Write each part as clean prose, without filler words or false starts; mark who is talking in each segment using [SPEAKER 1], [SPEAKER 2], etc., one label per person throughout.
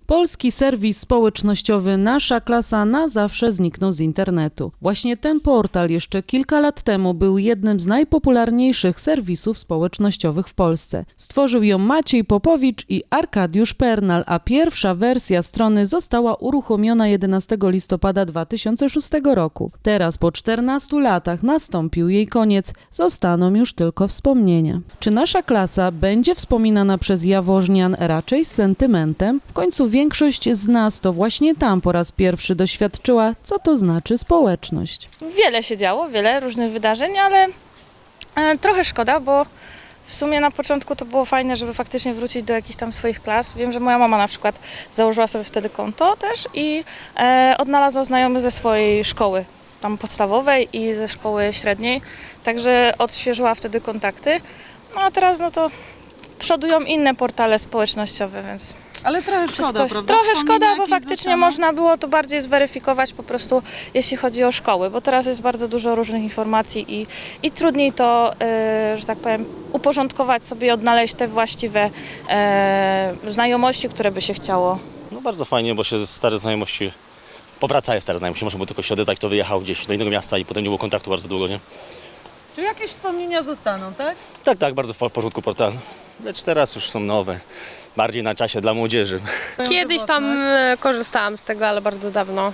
[SPEAKER 1] Polski serwis społecznościowy Nasza Klasa na zawsze zniknął z internetu. Właśnie ten portal jeszcze kilka lat temu był jednym z najpopularniejszych serwisów społecznościowych w Polsce. Stworzył ją Maciej Popowicz i Arkadiusz Pernal, a pierwsza wersja strony została uruchomiona 11 listopada 2006 roku. Teraz po 14 latach nastąpił jej koniec, zostaną już tylko wspomnienia. Czy Nasza Klasa będzie wspominana przez jaworznian raczej z sentymentem? W końcu większość z nas to właśnie tam po raz pierwszy doświadczyła, co to znaczy społeczność.
[SPEAKER 2] Wiele się działo, wiele różnych wydarzeń, ale trochę szkoda, bo w sumie na początku to było fajne, żeby faktycznie wrócić do jakichś tam swoich klas. Wiem, że moja mama na przykład założyła sobie wtedy konto też i odnalazła znajomych ze swojej szkoły tam podstawowej i ze szkoły średniej, także odświeżyła wtedy kontakty. No a teraz no to przodują inne portale społecznościowe, więc
[SPEAKER 1] Ale trochę szkoda, prawda?
[SPEAKER 2] trochę szkoda, bo
[SPEAKER 1] jakieś
[SPEAKER 2] faktycznie
[SPEAKER 1] zostaną?
[SPEAKER 2] można było to bardziej zweryfikować po prostu, jeśli chodzi o szkoły, bo teraz jest bardzo dużo różnych informacji i trudniej to, że tak powiem, uporządkować sobie, odnaleźć te właściwe znajomości, które by się chciało.
[SPEAKER 3] No bardzo fajnie, bo się stare znajomości powracają, stare znajomości. Można było tylko się odezwać, kto wyjechał gdzieś do innego miasta i potem nie było kontaktu bardzo długo, nie?
[SPEAKER 1] Czy jakieś wspomnienia zostaną, tak?
[SPEAKER 3] Tak, bardzo w porządku portal. Lecz teraz już są nowe, bardziej na czasie dla młodzieży.
[SPEAKER 4] Kiedyś tam korzystałam z tego, ale bardzo dawno.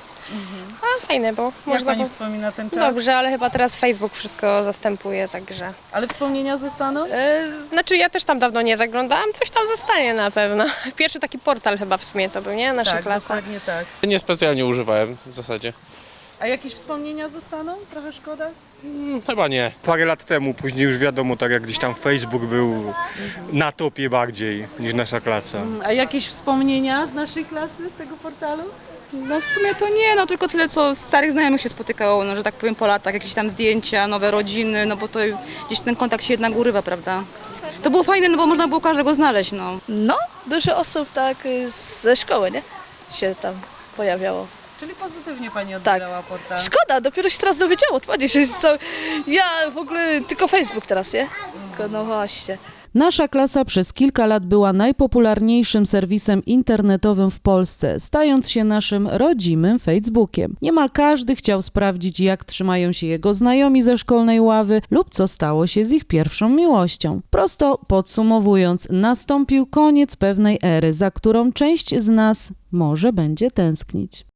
[SPEAKER 4] A fajne było.
[SPEAKER 1] Jak pani wspomina ten czas?
[SPEAKER 4] Dobrze, ale chyba teraz Facebook wszystko zastępuje, także...
[SPEAKER 1] Ale wspomnienia zostaną?
[SPEAKER 4] Znaczy ja też tam dawno nie zaglądałam, coś tam zostanie na pewno. Pierwszy taki portal chyba w sumie to był, nie? Nasza klasa.
[SPEAKER 1] dokładnie tak.
[SPEAKER 5] Niespecjalnie używałem w zasadzie.
[SPEAKER 1] A jakieś wspomnienia zostaną? Trochę szkoda?
[SPEAKER 5] Chyba nie.
[SPEAKER 6] Parę lat temu, później już wiadomo, tak jak gdzieś tam Facebook był na topie bardziej niż Nasza Klasa.
[SPEAKER 1] A jakieś wspomnienia z naszej klasy, z tego portalu?
[SPEAKER 7] No w sumie to nie, no tylko tyle, co starych znajomych się spotykało, no że tak powiem po latach, jakieś tam zdjęcia, nowe rodziny, no bo to gdzieś ten kontakt się jednak urywa, prawda? To było fajne, no bo można było każdego znaleźć, no.
[SPEAKER 8] No, dużo osób tak ze szkoły, nie? Się tam pojawiało.
[SPEAKER 1] Czyli pozytywnie pani odbierała portal.
[SPEAKER 8] Szkoda, dopiero się teraz dowiedziałam od pani, że ja w ogóle tylko Facebook teraz, nie? Tylko, no właśnie.
[SPEAKER 1] Nasza Klasa przez kilka lat była najpopularniejszym serwisem internetowym w Polsce, stając się naszym rodzimym Facebookiem. Niemal każdy chciał sprawdzić, jak trzymają się jego znajomi ze szkolnej ławy lub co stało się z ich pierwszą miłością. Prosto podsumowując, nastąpił koniec pewnej ery, za którą część z nas może będzie tęsknić.